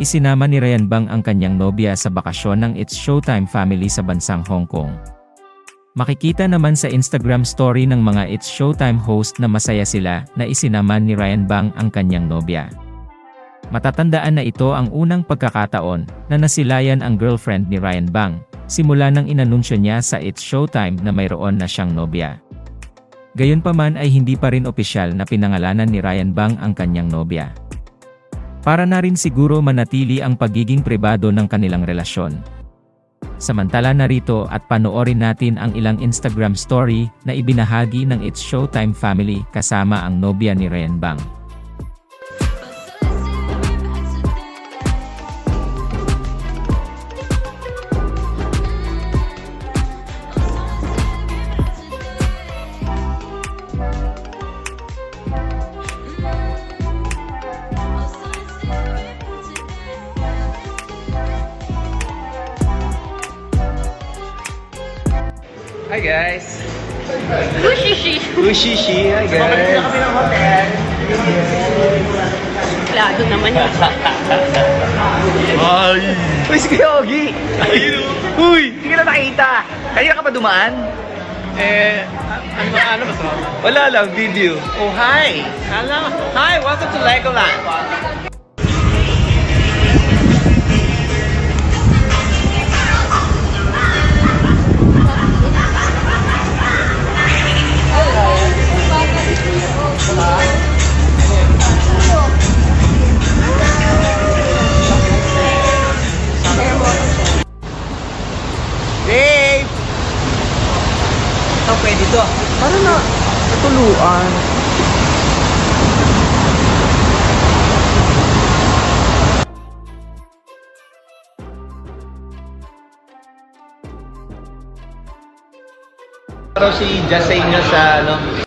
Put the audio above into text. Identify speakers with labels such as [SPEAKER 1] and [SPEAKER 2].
[SPEAKER 1] Isinama ni Ryan Bang ang kanyang nobya sa bakasyon ng It's Showtime family sa bansang Hong Kong. Makikita naman sa Instagram story ng mga It's Showtime host na masaya sila na isinama ni Ryan Bang ang kanyang nobya. Matatandaan na ito ang unang pagkakataon na nasilayan ang girlfriend ni Ryan Bang, simula nang inanunsyo niya sa It's Showtime na mayroon na siyang nobya. Gayunpaman ay hindi pa rin opisyal na pinangalanan ni Ryan Bang ang kanyang nobya. Para na rin siguro manatili ang pagiging pribado ng kanilang relasyon. Samantala narito at panoorin natin ang ilang Instagram story na ibinahagi ng It's Showtime family kasama ang nobya ni Ryan Bang.
[SPEAKER 2] Hi guys!
[SPEAKER 3] Ushishi!
[SPEAKER 2] Ushishi! Hi guys!
[SPEAKER 3] kami ng hotel. Klado naman yun.
[SPEAKER 2] Ay! Uy, si Kuya Ogie! Ayun! Uy! Hindi ka na nakita! Kanina ka pa dumaan?
[SPEAKER 4] Ano ba to?
[SPEAKER 2] Wala lang, video.
[SPEAKER 4] Oh, hi! Hello! Hi! Welcome to Legoland! Dave! Ito pwede to. Para na natuluan.
[SPEAKER 2] Pero si Just sa inyo sa ano,